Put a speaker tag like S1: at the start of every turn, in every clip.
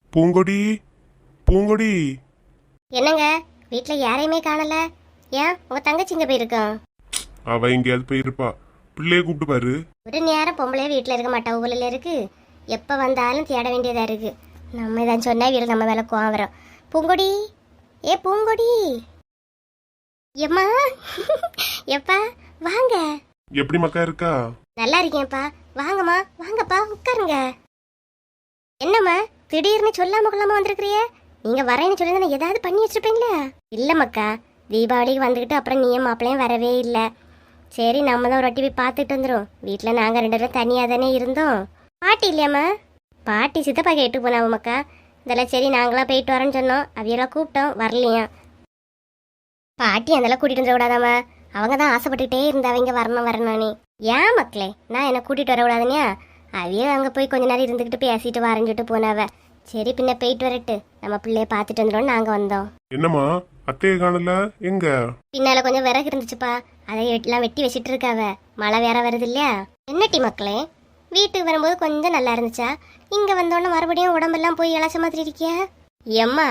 S1: பூங்கொடி, பூங்கொடி.
S2: என்னங்க, வீட்ல யாரையுமே காணல. ஏன் உங்க தங்கச்சி இங்க போயிருக்கோம்?
S1: அவ எங்கேயாவது போயிருப்பா. பிள்ளைய கூப்பிட்டு பாரு.
S2: ஒரு நேரம் பொம்பளையே வீட்டுல இருக்க மாட்டா, ஊர்ல இருக்கு. எப்ப வந்தாலும் தேட வேண்டியதா இருக்கு. நம்ம இதான் சொன்னா வீடு நம்ம மேல கோவம் வரும். பூங்கொடி, ஏ பூங்கொடி, எம்மா எப்பா வாங்க.
S1: எப்படி மக்கா இருக்கா?
S2: நல்லா இருக்கேன்ப்பா. வாங்கம்மா, வாங்கப்பா, உட்காருங்க. என்னம்மா திடீர்னு சொல்லாம கொள்ளாம வந்திருக்கிறியே? நீங்க வரேன்னு சொல்லி ஏதாவது பண்ணி வச்சிருப்பீங்களா? இல்ல மக்கா, தீபாவளிக்கு வந்துக்கிட்டு அப்புறம் நீயும் மாப்பிள்ளையும் வரவே இல்லை. சரி, நம்ம தான் ஒரு வாட்டி போய் பார்த்துட்டு வந்துடும். வீட்டில் நாங்கள் 2 பேரும் தனியாக தானே இருந்தோம். பாட்டி இல்லையாம்மா? பாட்டி சித்தப்பா கேட்டு போனாவும் மக்கா. இதெல்லாம் சரி, நாங்களாம் போயிட்டு வரோன்னு சொன்னோம். அவையெல்லாம் கூப்பிட்டோம், வரலையா. பாட்டி அதெல்லாம் கூட்டிகிட்டு வந்துடக்கூடாதாம்மா. அவங்க தான் ஆசைப்பட்டுக்கிட்டே இருந்தாவங்க வரணும் வரணும்னு. ஏன் மக்களே, நான் என்ன கூட்டிகிட்டு வரக்கூடாதுனியா? அவையே அங்கே போய் கொஞ்ச நேரம் இருந்துக்கிட்டு பேசிட்டு வரைஞ்சிட்டு போனாவ. சரி, பின்ன போயிட்டு வரட்டு, நம்ம பிள்ளைய பார்த்துட்டு வந்துடும். நாங்கள் வந்தோம்.
S1: என்னம்மா அத்தையை காணல? எங்க?
S2: பின்னால கொஞ்சம் விறகு இருந்துச்சுப்பா, அதை எல்லாம் வெட்டி வச்சிட்டு இருக்காவ. மழை வேற வருது இல்லையா? என்னட்டி மக்களே, வீட்டுக்கு வரும்போது கொஞ்சம் நல்லா இருந்துச்சா? இங்க வந்தோடனே மறுபடியும் உடம்பெல்லாம் போய் இழைச்ச மாதிரி இருக்கியா? எம்மா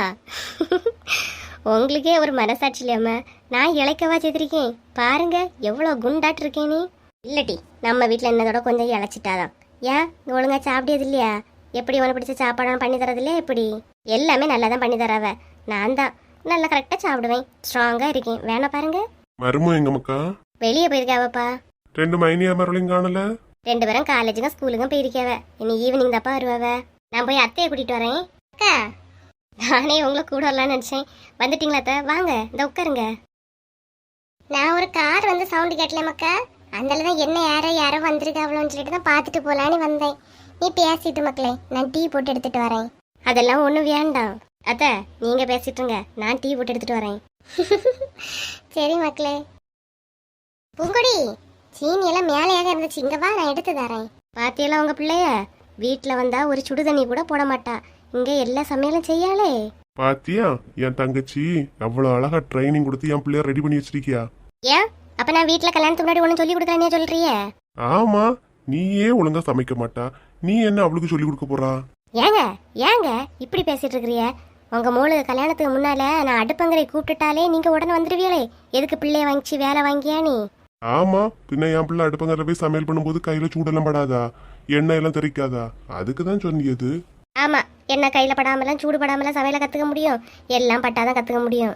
S2: உங்களுக்கே ஒரு மனசாட்சி இல்லையம்மா? நான் இழைக்கவா செய்திருக்கேன்? பாருங்க எவ்வளோ குண்டாட்டு இருக்கேன் நீ. இல்லட்டி, நம்ம வீட்டில் என்னதோட கொஞ்சம் இழைச்சிட்டாதான். ஏன் ஒழுங்கா சாப்பிடியது இல்லையா? எப்படி உனக்கு பிடிச்ச சாப்பாடு பண்ணி தரது இல்லையா? எப்படி எல்லாமே நல்லா தான் பண்ணி தராவ. நான் தான் நல்லா கரெக்டாக சாப்பிடுவேன், ஸ்ட்ராங்காக இருக்கேன். வேணா பாருங்க.
S1: மருமோ எங்க மக்கா?
S2: வெளியே போயிருக்காவப்பா.
S1: 2 மைனியா மரளையும் காணல?
S2: 2 பேரும் காலேஜுக்கும் ஸ்கூலுக்கும் போயிருக்காவ. இனி ஈவினிங் தப்பா வருவாவ. நான் போய் அத்தையை கூட்டிட்டு வரேன். அக்கா, நானே உங்களை கூட வரலான்னு நினைச்சேன். வந்துட்டீங்களா அத்தை? வாங்க, இந்த உட்காருங்க. நான் ஒரு கார் வந்து சவுண்டு கேட்டல மக்கா, அதனால தான் என்ன யாரோ வந்திருக்காவளோன்னு சொல்லிட்டு தான் பார்த்துட்டு போலான்னு வந்தேன். நீ பேசிட்டு மக்களே, நான் டீ போட்டு எடுத்துட்டு வரேன். அதெல்லாம் ஒன்றும் வேண்டாம் அத்தை, நீங்க பேசிட்டுருங்க, நான் டீ போட்டு எடுத்துட்டு வரேன். சரி மக்களே. பூங்கொடி, சீனி எல்லாம் மேலேயாக இருந்துச்சு, இங்க வா, நான் எடுத்து தரேன். பாத்தியெல்லாம் உங்க பிள்ளைய வீட்டில் வந்தா ஒரு சுடு தண்ணி கூட போட மாட்டா. இங்க எல்லா சமையலும் செய்யாளே.
S1: பாத்தியா, என் தங்கச்சி அவ்வளவு அழகா ட்ரைனிங் கொடுத்து என் பிள்ளைய ரெடி பண்ணி வச்சிருக்கியா?
S2: ஏன் அப்ப நான் வீட்டில் கல்யாணத்துக்கு முன்னாடி ஒன்றும் சொல்லி கொடுக்குறேன்னு சொல்றிய?
S1: ஆமா, நீயே ஒழுங்கா சமைக்க மாட்டா, நீ என்ன அவளுக்கு சொல்லி கொடுக்க போறா?
S2: ஏங்க ஏங்க இப்படி பேசிட்டு இருக்கிறிய? உங்க மூளு கல்யாணத்துக்கு முன்னால நான் அடுப்பங்கரை கூப்பிட்டுட்டாலே நீங்க உடனே வந்துருவீங்களே. எதுக்கு பிள்ளைய வாங்கிச்சு வேலை வாங்கியா நீ?
S1: ஆமா, பின்ன என் பிள்ளை அடுப்பங்கரை போய் சமையல் பண்ணும்போது கையில சூடெல்லாம் படாதா, எண்ணெய் எல்லாம் தெறிக்காதா? அதுக்குதான் சொன்னியது.
S2: ஆமா, என்ன கையில படாமலாம் சூடு படாமலாம் சமையல கத்துக்க முடியும். எல்லாம் பட்டாதான் கத்துக்க முடியும்.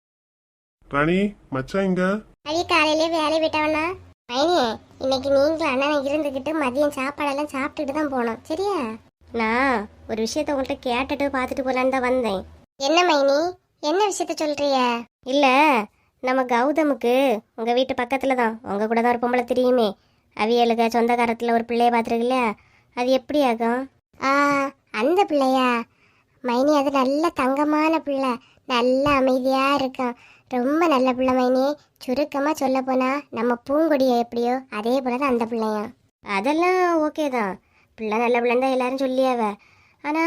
S1: ராணி, மச்சான் இங்க?
S2: அடி காலையிலே வேலை விட்டவனா? மைனியே, இன்னைக்கு நீங்களும் அண்ணன் இருந்துக்கிட்டு மதியம் சாப்பாடெல்லாம் சாப்பிட்டுட்டு தான் போனோம், சரியா? நான் ஒரு விஷயத்த உங்கள்கிட்ட கேட்டுட்டு பார்த்துட்டு போலான்னு தான் வந்தேன். என்ன மைனி, என்ன விஷயத்த சொல்றிய? இல்ல, நம்ம கௌதமுக்கு உங்க வீட்டு பக்கத்துல தான், உங்க கூட தான் ஒரு பொம்பளை தெரியுமே, அவியலுக்கு சொந்தக்காரத்துல ஒரு பிள்ளைய பார்த்துருக்குல்ல, அது எப்படி ஆகும்? அந்த பிள்ளையா? மைனி, அது நல்ல தங்கமான பிள்ளை, நல்ல அமைதியா இருக்கும், ரொம்ப நல்ல பிள்ளை மைனி. சுருக்கமா சொல்ல போனா நம்ம பூங்கொடிய எப்படியோ அதே போலதான் அந்த பிள்ளையா. அதெல்லாம் ஓகே தான், பிள்ளை நல்ல பிள்ளைன்னு தான் எல்லாரும் சொல்லியாவ. ஆனா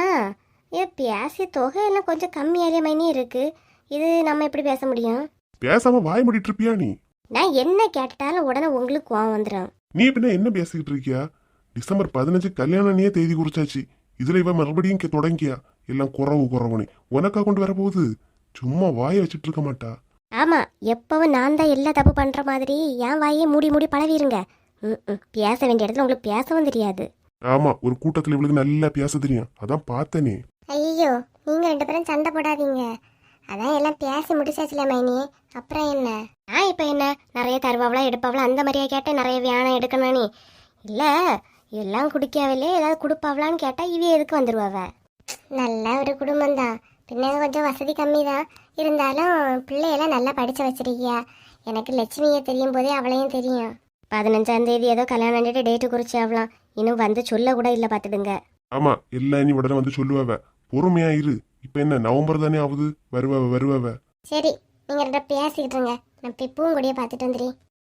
S2: பேசிய தொகையெல்லாம் கொஞ்சம் கம்மியாலே மைனி இருக்கு. இது நம்ம எப்படி பேச முடியும்?
S1: பேசாம வாய் மூடிட்டு இருப்பியா நீ?
S2: நான் என்ன கேட்டாலும் உடனே உங்களுக்கு கோவம் வந்துடும்.
S1: நீ பின்ன என்ன பேசிக்கிட்டு இருக்கியா? டிசம்பர் 15 கல்யாணம் தேதி குறிச்சாச்சு, இதுல இவ மறுபடியும் தொடங்கியா? எல்லாம் குறவுனே உனக்கா கொண்டு வர போகுது. சும்மா வாய வச்சுட்டு இருக்க மாட்டா.
S2: ஆமா, எப்பவும் நான் தான் எல்லா தப்பு பண்ற மாதிரி என் வாயே மூடி மூடி பழவிருங்க. பேச வேண்டிய இடத்துல உங்களுக்கு பேசவும் தெரியாது.
S1: ஆமா, ஒரு கூட்டத்துல இவளுக்கு நல்லா பேச தெரியும், அதான் பார்த்தனே.
S2: ஐயோ, நீங்க 2 பேரும் சண்டை போடாதீங்க. அதான் எல்லாம் பேசி முடிச்சாச்சுல மைனி, அப்புறம் என்ன? நான் இப்ப என்ன நிறைய தருவாவளா எடுப்பாவளா அந்த மாதிரியா கேட்டேன்? நிறைய வியானம் எடுக்கணும் நீ இல்ல, எல்லாம் குடிக்காவிலே ஏதாவது கொடுப்பாவலான்னு கேட்டா இவ எதுக்கு வந்துருவாவ? நல்ல ஒரு குடும்பம் தான், பின்ன கொஞ்சம் வசதி கம்மி தான், இருந்தாலும் பிள்ளையெல்லாம் நல்லா படிச்சு வச்சிருக்கியா. எனக்கு லட்சுமியை தெரியும் போதே அவளையும் தெரியும். 15ஆம் தேதி ஏதோ கல்யாணம் டேட்டு குறிச்சு ஆகலாம், இன்னும் வந்து சொல்ல கூட இல்ல பாத்துடுங்க.
S1: ஆமா, எல்லாம் நீ உடனே வந்து சொல்லுவாவ, பொறுமையா இரு. இப்ப என்ன நவம்பர் தானே ஆகுது, வருவாவ.
S2: சரி, நீங்க 2 பேசிக்கிட்டு இருங்க, நான் போய் பூங்கொடியை பார்த்துட்டு வந்துடுறேன்.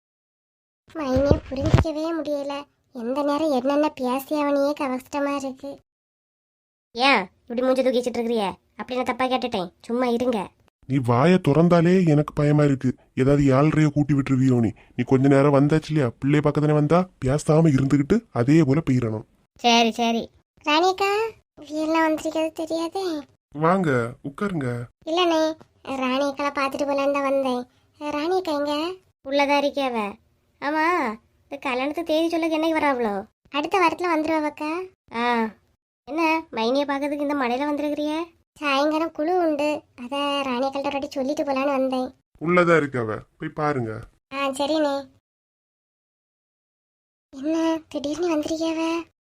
S2: மைனியை புரிஞ்சிக்கவே முடியல, எந்த நேரம் என்னென்ன பேசி அவனையே கஷ்டமா இருக்கு. ஏன் இப்படி மூஞ்சி தூக்கிச்சிட்டு இருக்கிறிய? அப்படி நான் தப்பா கேட்டுட்டேன், சும்மா இருங்க.
S1: நீ வாயை திறந்தாலே எனக்கு பயமா இருக்கு, ஏதாவது 7:30 கூட்டி விட்டுருவியோ நீ கொஞ்ச நேரம் வந்தாச்சு இல்லையா, பிள்ளை பக்கத்தானே வந்தா பேசாம இருந்துகிட்டு அதே போல போயிடணும்.
S2: சரி சரி. ராணிக்கா, எல்லாம் வந்திருக்கிறது தெரியாதே.
S1: வாங்க உட்காருங்க.
S2: இல்லண்ணே, ராணியக்கால பார்த்துட்டு போலான்னு தான் வந்தேன். ராணியக்கா எங்க? உள்ளதா இருக்கியாவ. ஆமா, இந்த கல்யாணத்துக்கு தேதி சொல்ல என்னைக்கு வராவளோ? அடுத்த வாரத்துல வந்துருவாக்கா. ஆ, என்ன மைனிய பார்க்கறதுக்கு இந்த மழையில வந்திருக்கிறிய? சாயங்காலம் குழு உண்டு, அத ராணியக்கள்கிட்ட ஒரு வாட்டி சொல்லிட்டு போலான்னு வந்தேன்.
S1: உள்ளதா இருக்கவ, போய் பாருங்க.
S2: ஆ சரிண்ணே. என்ன திடீர்னு வந்திருக்கியாவ?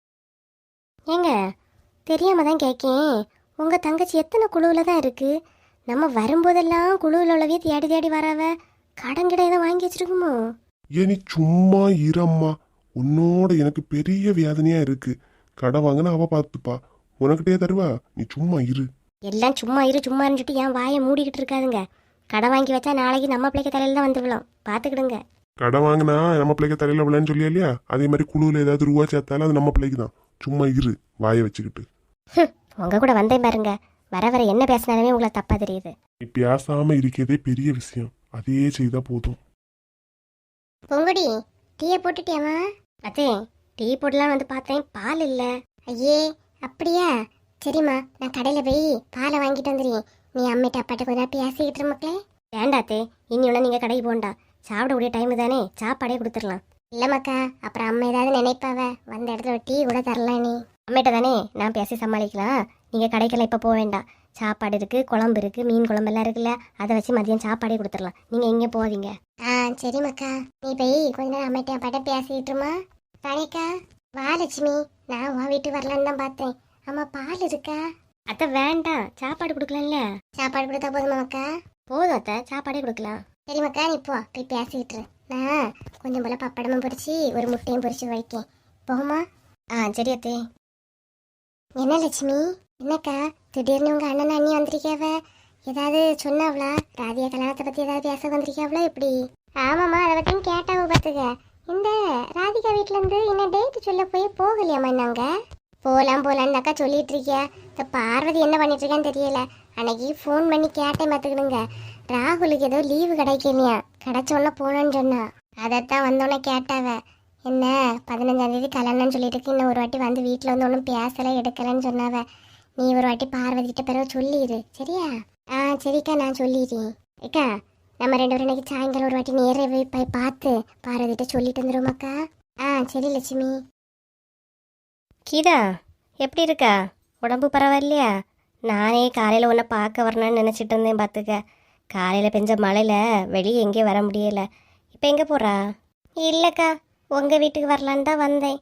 S2: ஏங்க தெரியாம தான் கேட்கேன், உங்க தங்கச்சி எத்தனை குழுவில் தான் இருக்கு? நம்ம வரும்போதெல்லாம் குழுவில் உள்ளவையே தேடி தேடி வராவ. கடன் கிட்ட ஏதோ வாங்கி வச்சிருக்குமோ?
S1: ஏன் நீ சும்மா இரம்மா, உன்னோட எனக்கு பெரிய வேதனையா இருக்கு. கடை வாங்கினா அவ பார்த்துப்பா, உனக்கிட்டே தருவா. நீ சும்மா இரு.
S2: எல்லாம் சும்மா இரு சும்மா இருந்துட்டு என் வாயை மூடிக்கிட்டு இருக்காதுங்க. கடை வாங்கி வச்சா நாளைக்கு நம்ம பிள்ளைக்கு தலையில தான் வந்து விழும், பார்த்துக்கிடுங்க.
S1: கடை வாங்கினா நம்ம பிள்ளைக்கு தலையில விழான்னு சொல்லியா இல்லையா? அதே மாதிரி குழுவில் ஏதாவது ரூபா சேர்த்தாலும் அது நம்ம பிள்ளைக்கு தான். சும்மா இரு, வாயை வச்சுக்கிட்டு.
S2: உங்க கூட வந்தேன் பாருங்க, வர வர என்ன பேசினாலுமே உங்களை தப்பா தெரியுது.
S1: நீ பேசாம இருக்கிறதே பெரிய விஷயம், அதே செய்தா போதும்.
S2: பொங்குடி டீயை போட்டுட்டியாமா? அத்தே டீ போடலாம் வந்து பார்த்தேன், பால் இல்ல. ஐயே அப்படியா? சரிம்மா, நான் கடையில போய் பாலை வாங்கிட்டு வந்துடுறேன். நீ அம்மிட்ட அப்பாட்ட கொஞ்சம் பேசிக்கிட்டு இரு மக்களே. வேண்டாத்தே, இனி ஒன்று நீங்க கடைக்கு போண்டா, சாப்பிடக்கூடிய டைம் தானே, சாப்பாடே கொடுத்துடலாம். இல்லம்மாக்கா, அப்புறம் அம்மா ஏதாவது நினைப்பாவ, வந்த இடத்துல ஒரு டீ கூட தரலாம். நீ அம்மிட்ட தானே நான் பேசி சமாளிக்கலாம். நீங்க கடைக்கெல்லாம் இப்ப போக வேண்டாம். சாப்பாடு இருக்கு, குழம்பு இருக்கு, மீன் குழம்பு எல்லாம் இருக்குல்ல, அதை வச்சு மதியம் சாப்பாடே கொடுத்துடலாம். நீங்க எங்க போவீங்க? ஆ சரி மக்கா, நீ போய் கொஞ்ச நேரம் அம்மிட்ட அப்பாட்ட பேசிக்கிட்டுமா. ராணிக்கா வா லட்சுமி, நான் உன் வீட்டு வரலான்னு தான் பார்த்தேன். அம்மா பால் இருக்கா? அத்தை வேண்டாம், சாப்பாடு கொடுக்கலாம்ல. சாப்பாடு கொடுத்தா போதுமா மக்கா? போதும் அத்தை, சாப்பாடே கொடுக்கலாம். சரி மக்கா, நீ போய் பேசிக்கிட்டு. நான் கொஞ்சம் போல பப்படமும் பொரிச்சு ஒரு முட்டையும் பொரிச்சு வைக்கேன், போகுமா? ஆ சரி அத்தே. என்ன லட்சுமி, என்னக்கா திடீர்னு உங்க அண்ணன் அண்ணி வந்திருக்காவ? ஏதாவது சொன்னாவளா? ராதியா கல்யாணத்தை பத்தி ஏதாவது பேச வந்திருக்காவளா எப்படி? ஆமாம்மா, அதை பத்தியும் கேட்டாவ பார்த்துக்க. இந்த ராதிகா வீட்டுல இருந்து என்ன டேட் சொல்ல போய் போகலையாம்மா? நாங்க போலாம்னாக்கா சொல்லிட்டு இருக்கியா. இந்த பார்வதி என்ன பண்ணிட்டு இருக்கான்னு தெரியல. அன்னைக்கு ஃபோன் பண்ணி கேட்டேன் பார்த்துக்கிடுங்க. ராகுலுக்கு ஏதோ லீவு கிடைக்கலையா, கிடைச்சோன்னா போனோன்னு சொன்னா. அதைத்தான் வந்தோன்னே கேட்டாவ. என்ன 15ஆம் தேதி கல்யாணம்னு சொல்லிட்டு இன்னும் ஒரு வாட்டி வந்து வீட்டில் வந்து ஒன்றும் பேசலை எடுக்கலைன்னு சொன்னாவ. நீ ஒரு வாட்டி பார்வதிக்கிட்ட பிறகு சொல்லிடு சரியா? ஆ சரிக்கா, நான் சொல்லிடுறேன். ஏக்கா, நம்ம 2 பேரும் இன்னைக்கு சாயங்காலம் ஒரு வாட்டி நேரே போய் பார்த்து பார்வதிட்ட சொல்லிட்டு வந்துடுவோமாக்கா? ஆ சரி லட்சுமி. கீதா எப்படி இருக்கா? உடம்பு பரவாயில்லையா? நானே காலையில் உன்னை பார்க்க வரணும்னு நினச்சிட்டு இருந்தேன் பார்த்துக்க. காலையில் பெஞ்ச மழையில் வெளியே எங்கேயும் வர முடியலை. இப்போ எங்கே போகிறா? இல்லைக்கா, உங்கள் வீட்டுக்கு வரலான்னு தான் வந்தேன்.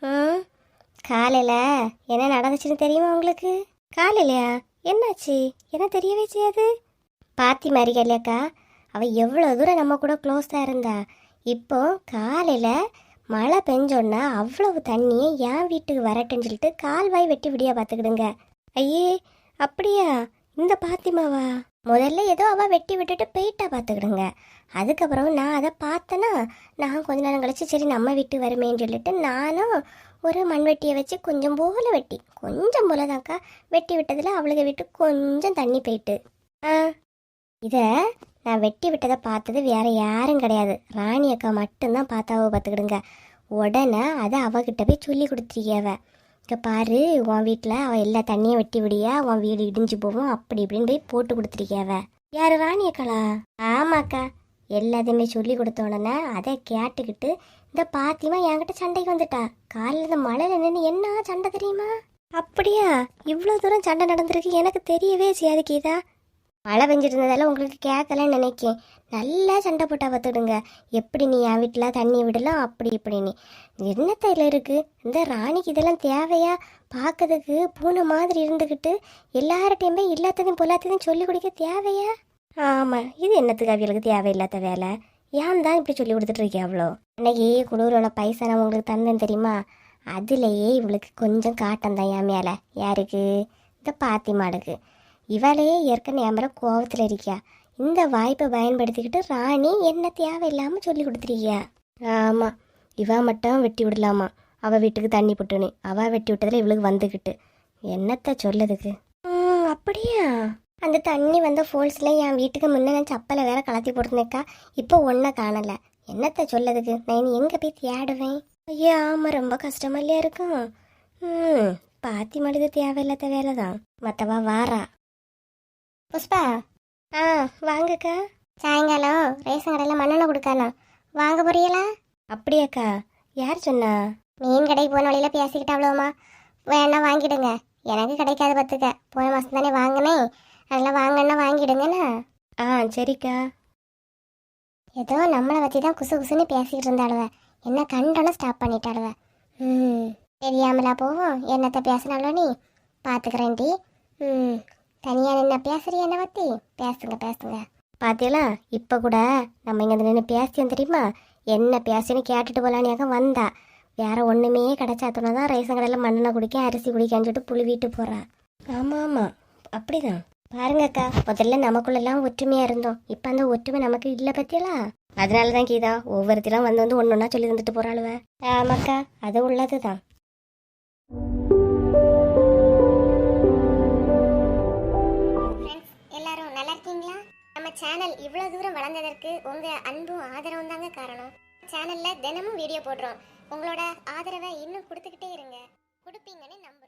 S2: காலையில் என்ன நடந்துச்சுன்னு தெரியுமா உங்களுக்கு? காலையிலையா? என்னாச்சு? என்ன தெரியவே செய்யாது. பாத்தி மாதிரி இல்லையாக்கா, அவள் எவ்வளோ தூரம் நம்ம கூட க்ளோஸாக இருந்தா. இப்போ காலையில் மழை பெஞ்சோன்னா அவ்வளவு தண்ணியை என் வீட்டுக்கு வரட்டுன்னு சொல்லிட்டு கால்வாய் வெட்டி விடியா பார்த்துக்கிடுங்க. ஐயே அப்படியா? இந்த பாத்திமாவா? முதல்ல ஏதோ அவள் வெட்டி விட்டுட்டு போயிட்டா பார்த்துக்கிடுங்க. அதுக்கப்புறம் நான் அதை பார்த்தேன்னா, நான் கொஞ்ச நேரம் கழிச்சு சரி நம்ம வீட்டு வருமேன்னு சொல்லிட்டு நானும் ஒரு மண்வெட்டியை வச்சு கொஞ்சம் போல வெட்டி, கொஞ்சம் போல தான்க்கா வெட்டி விட்டதில் அவளுக்கு விட்டு கொஞ்சம் தண்ணி போயிட்டு. இதை நான் வெட்டி விட்டதை பார்த்தது வேற யாரும் கிடையாது, ராணி அக்கா மட்டும்தான் பார்த்தாவோ பார்த்துக்கிடுங்க. உடனே அதை அவகிட்ட போய் சொல்லி கொடுத்துருக்கியாவ. இங்கே பாரு, உன் வீட்டில் அவள் எல்லா தண்ணியும் வெட்டி விடியா, உன் வீடு இடிஞ்சு போவோம் அப்படி இப்படின்னு போய் போட்டு கொடுத்துருக்கியாவ. யாரு, ராணி அக்காளா? ஆமாக்கா, எல்லாத்தையுமே சொல்லி கொடுத்த உடனே அதை கேட்டுக்கிட்டு இந்த பாத்திமா என்கிட்ட சண்டைக்கு வந்துட்டா. காலையில் இந்த மழையில் நின்று என்ன சண்டை தெரியுமா? அப்படியா? இவ்வளோ தூரம் சண்டை நடந்திருக்கு எனக்கு தெரியவே செய்யாது கீதா. மழை பெஞ்சிட்டு இருந்ததால உங்களுக்கு கேட்கலன்னு நினைக்கேன். நல்லா சண்டை போட்டா பார்த்துடுங்க. எப்படி நீ என் வீட்டில் தண்ணி விடலாம் அப்படி இப்படின்னு. என்னத்தையில் இருக்குது இந்த ராணிக்கு? இதெல்லாம் தேவையா? பார்க்கறதுக்கு பூனை மாதிரி இருந்துக்கிட்டு எல்லார்ட்டையுமே எல்லாத்தையும் பொல்லாத்தையும் சொல்லி கொடுக்க தேவையா? ஆமாம், இது என்னத்துக்கு அவங்களுக்கு தேவையில்லாத வேலை? ஏன் தான் இப்படி சொல்லி கொடுத்துட்ருக்கேன் அவ்வளோ? அன்னைக்கு குளூரோட பைசா நான் உங்களுக்கு தந்தேன் தெரியுமா? அதுலேயே இவளுக்கு கொஞ்சம் காட்டம் தான் என் மேலே. யாருக்கு? இந்த பாத்திமாளுக்கு. இவளையே ஏற்கனவே என் மேலே கோவத்தில் இருக்கியா. இந்த வாய்ப்பை பயன்படுத்திக்கிட்டு ராணி என்ன தேவையில்லாமல் சொல்லி கொடுத்துருக்கியா. ஆமாம், இவ மட்டும் வெட்டி விடலாமா, அவள் வீட்டுக்கு தண்ணி போட்டுனே. அவள் வெட்டி விட்டதில் இவளுக்கு வந்துக்கிட்டு என்னத்த சொல்லதுக்கு. அப்படியா? அந்த தண்ணி வந்த ஃபோல்ஸில் என் வீட்டுக்கு முன்னே நான் சப்பலை வேற கலத்தி போட்டுருந்தேக்கா. இப்போ ஒன்றை காணலை. என்னத்த சொல்லதுக்கு? நான் எங்கே போய் தேடுவேன்? ஐயா ஆமாம், ரொம்ப கஷ்டமா இல்லையா இருக்கும். பாத்தி மழுது தேவையில்லாத வேலை தான். மற்றவா வாரா. புஷ்பா, வாங்கக்கா. சாயங்காலம் ரேஷன் கடையில் மண்ணெண்ணெய் கொடுக்கானா, வாங்க போறீங்களா? அப்படியாக்கா? யார் சொன்னா? மீன் கடைக்கு போன வழியில பேசிக்கிட்டு அவ்வளோமா. வேணா வாங்கிடுங்க, எனக்கு கிடைக்காது பார்த்துக்க. போன மாதம் தானே வாங்கினேன், அதெல்லாம் வாங்கன்னா வாங்கிடுங்கண்ணா. சரிக்கா. ஏதோ நம்மளை வச்சு தான் குசு குசுன்னு பேசிக்கிட்டு இருந்தாளுவ. என்ன கண்டோன்னு ஸ்டாப் பண்ணிட்டாளுவ. தெரியாமலா போவோம். என்னத்த பேசினாலும் நீ பார்த்துக்கிறேன்டி. தனியாக நின்று பேசுறிய என்ன பற்றி? பேசுங்க. பார்த்தீங்களா, இப்போ கூட நம்ம இங்கே நின்று பேசியோம் தெரியுமா? என்ன பேசுன்னு கேட்டுட்டு போகலானியாக வந்தா. வேற ஒன்றுமே கிடைச்சாத்தோன்னா தான் ரேஷன் கடையில் மண்ணெண்ணெய் குடிக்க, அரிசி குடிக்கான்னு சொல்லிட்டு புழுவிட்டு போகிறா. ஆமாம், அப்படிதான். பாருங்கக்கா, முதல்ல நமக்குள்ளெல்லாம் ஒற்றுமையாக இருந்தோம். இப்போ அந்த ஒற்றுமை நமக்கு இல்லை பற்றியலா? அதனால தான் கீதா ஒவ்வொருத்தரும் வந்து ஒன்று ஒன்றா சொல்லி தந்துட்டு போகிறாளுவ. ஆமாக்கா, அது உள்ளது தான். எல்லாரும் நல்லா இருக்கீங்களா? நம்ம சேனல் இவ்வளோ தூரம் வளர்ந்ததற்கு உங்கள் அன்பும் ஆதரவும் தாங்க காரணம். சேனலில் தினமும் வீடியோ போடுறோம். உங்களோட ஆதரவை இன்னும் கொடுத்துக்கிட்டே இருங்க. கொடுப்பீங்கன்னு நம்ப